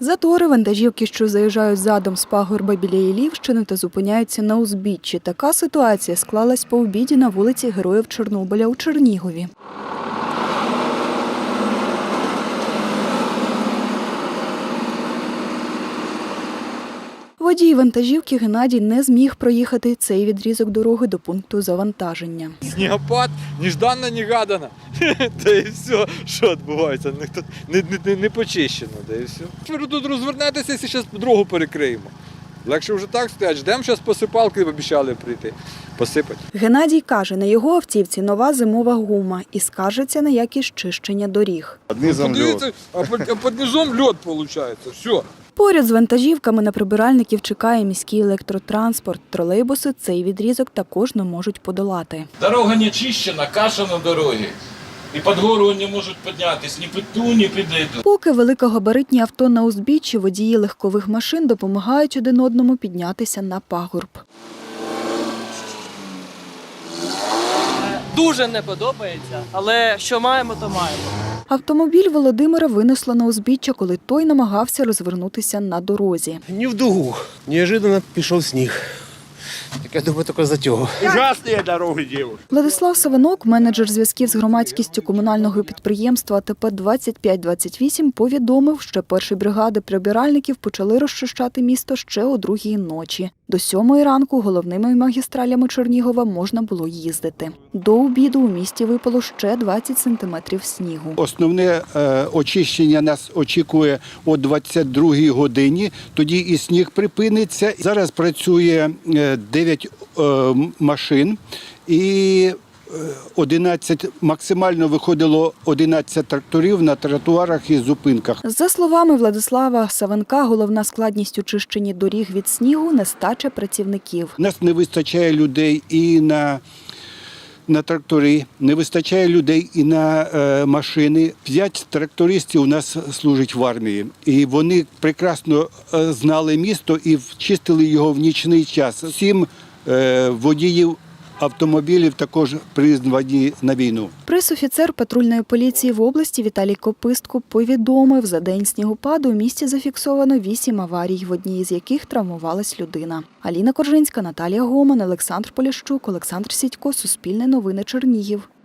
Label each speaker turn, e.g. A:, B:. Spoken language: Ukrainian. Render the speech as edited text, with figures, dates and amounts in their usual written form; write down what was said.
A: Затори, вантажівки, що заїжджають задом з пагорба біля Іллівщини та зупиняються на узбіччі. Така ситуація склалась по обіді на вулиці Героїв Чорнобиля у Чернігові. Водій вантажівки Геннадій не зміг проїхати цей відрізок дороги до пункту завантаження.
B: Снігопад, нежданно-негадано. Та і все, що відбувається, не почищено, та і все. Ви тут розвернетеся, якщо зараз дорогу перекриємо. Легше вже так стоять, ждемо, зараз посипалки обіцяли прийти, посипати.
A: Геннадій каже, на його автівці нова зимова гума і скаржиться на якість чищення доріг.
B: Подивіться, а під низом льод виходить, все.
A: Поряд з вантажівками на прибиральників чекає міський електротранспорт. Тролейбуси цей відрізок також не можуть подолати.
C: Дорога не чищена, каша на дорогі. І під гору не можуть піднятися, ні під ту, ні під эту.
A: Поки великогабаритні авто на узбіччі, водії легкових машин допомагають один одному піднятися на пагорб.
D: Дуже не подобається, але що маємо, то маємо.
A: Автомобіль Володимира винесло на узбіччя, коли той намагався розвернутися на дорозі.
E: Не в дугу. Неожиданно пішов сніг. Так я думаю, тільки затягу.
F: Ужасні дороги, дівчата.
A: Владислав Савинок, менеджер зв'язків з громадськістю комунального підприємства АТП 2528, повідомив, що перші бригади прибиральників почали розчищати місто ще о 2-й ночі. До 7-ї ранку головними магістралями Чернігова можна було їздити. До обіду у місті випало ще 20 сантиметрів снігу.
G: Основне очищення нас очікує о 22-й годині, тоді і сніг припиниться. Зараз працює 9 машин і 11, максимально виходило 11 тракторів на тротуарах і зупинках.
A: За словами Владислава Савенка, головна складність у чищенні доріг від снігу – нестача працівників.
G: У нас не вистачає людей і на трактори, не вистачає людей і на машини. 5 трактористів у нас служать в армії. І вони прекрасно знали місто і чистили його в нічний час. 7 водіїв автомобілів також призвані на війну.
A: Пресофіцер патрульної поліції в області Віталій Копистко повідомив, за день снігопаду у місті зафіксовано 8 аварій, в одній з яких травмувалась людина. Аліна Коржинська, Наталія Гоман, Олександр Поліщук, Олександр Сідько, Суспільне новини, Чернігів.